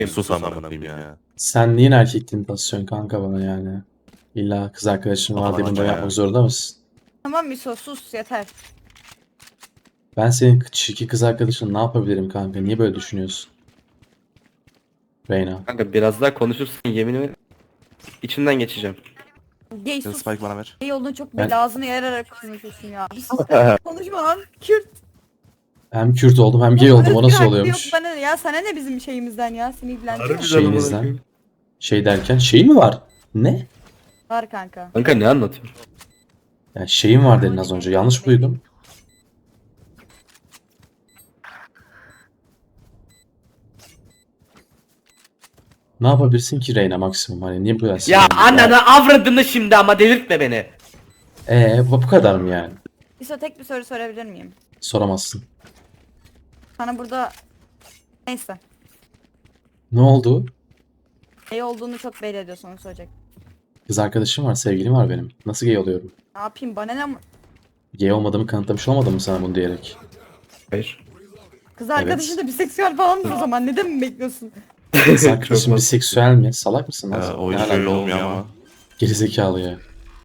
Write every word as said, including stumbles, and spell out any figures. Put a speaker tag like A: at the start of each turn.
A: Sus amına koyayım ya.
B: Sen niye erkekliğini basıyorsun kanka bana yani? İlla kız arkadaşın var diye bunu da
A: Aman ya.
B: yapmak zorunda mısın?
C: Tamam Miso sus yeter.
B: Ben senin çirkin kız arkadaşın ne yapabilirim kanka? Niye böyle düşünüyorsun? Reyna.
D: Kanka biraz daha konuşursun yeminimi içinden geçeceğim.
C: Gay
A: Sen
C: sus.
A: Spike bana ver.
C: Gay olduğunu çok
B: Ben-
C: belli ağzını yararak konuşuyorsun ya. Bir sus. Konuşma lan. Kürt.
B: Hem Kürt oldum hem gay oldum. O nasıl
C: Yok
B: oluyormuş?
C: bana ne ya sana ne bizim şeyimizden ya seni ilgilendiriyor.
D: Harbi.
B: Şeyinizden. Şey derken şey mi var? Ne?
C: Var kanka.
D: Kanka ne anlatıyorsun?
B: Ya şeyim var dedin az önce. Yanlış mı duydum? Ne yapabilirsin ki Reyna maksimum? Hani niye bu kadar
D: Ya
B: sinirlendin?
D: ananı avradını şimdi ama delirtme beni.
B: Ee, bu bu kadar mı yani?
C: Miso tek bir soru sorabilir miyim?
B: Soramazsın.
C: Sana burada neyse.
B: Ne oldu?
C: Gay olduğunu çok belli ediyorsun onu soracak.
B: Kız arkadaşım var, sevgilim var benim. Nasıl gay oluyorum?
C: Ne yapayım bana ne?
B: Gay olmadığımı kanıtlamış olmadım mı sana bunu diyerek?
D: Hayır.
C: Kız arkadaşın da biseksüel falan mı o zaman? Neden mi bekliyorsun?
B: Kız arkadaşım
D: Çok
B: biseksüel mi? Salak mısın lan?
A: Ya,
B: sen?
A: o
B: Ne
A: hiç
B: alaka?
A: öyle olmuyor ama.
B: Gerizekalı ya.